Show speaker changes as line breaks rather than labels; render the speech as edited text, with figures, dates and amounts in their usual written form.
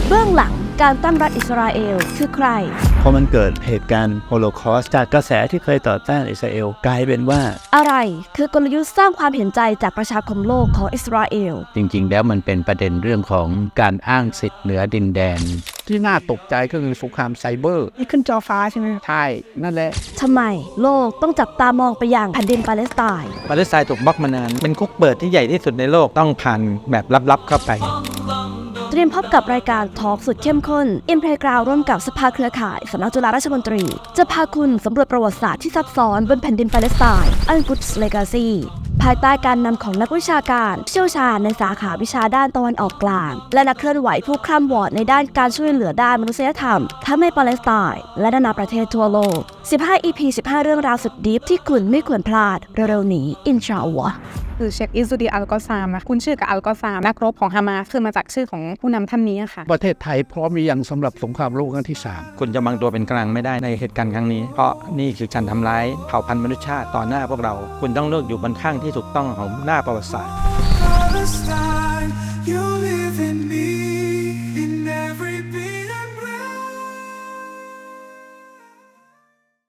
เบื้องหลังการตั้งรัฐอิสราเอลคือใคร
พอมันเกิดเหตุการณ์โฮโลคอสต์จากกระแสที่เคยต่อต้านอิสราเอลกลายเป็นว่า
อะไรคือกลยุทธ์สร้างความเห็นใจจากประชาคมโลกของอิสราเอล
จริงๆแล้วมันเป็นประเด็นเรื่องของการอ้างสิทธิ์เหนือดินแดน
ที่น่าตกใจก็คือสงครามไซเบอร์
นี่ขึ้นจอฟ้าใช่ไหม
ใช่นั่นแหละ
ทำไมโลกต้องจับตามองไปยังแผ่นดินปาเลสไตน์
ถูกบล็อกมานานเป็นคุกเปิดที่ใหญ่ที่สุดในโลกต้องผ่านแบบลับๆเข้าไป
เตรียมพบกับรายการทอล์กสุดเข้มข้นอินเพลย์กราวร่วมกับสภาเครือข่ายสำนักจุฬาราชมนตรีจะพาคุณสำรวจประวัติศาสตร์ที่ซับซ้อนบนแผ่นดินปาเลสไตน์อันกุดส์เลกาซีภายใต้การนำของนักวิชาการเชี่ยวชาญในสาขาวิชาด้านตะวันออกกลางและนักเคลื่อนไหวผู้คร่ำวอดในด้านการช่วยเหลือด้านมนุษยธรรมทั้งในปาเลสไตน์และนานาประเทศทั่วโลก15 EP 15 เรื่องราวสุดดีฟที่คุณไม่ควรพลาดเร็วๆนี้อินชาอัลลอฮ์
คือเชคอิซูดีอัลกอซามนะคุณชื่อกับอัลกอซามนักรบของฮามาสคือมาจากชื่อของผู้นำท่านนี้ค่ะ
ประเทศไทยพร้อมหรือยังสำหรับสงครามโลกครั้งที่3
คุณจะบังตัวเป็นกลางไม่ได้ในเหตุการณ์ครั้งนี้เพราะนี่คือการทำร้ายเผ่าพันธุ์มนุษยชาติต่อหน้าพวกเราคุณต้องเลือกอยู่บนข้างที่ถูกต้องของหน้าประวัติศาสตร์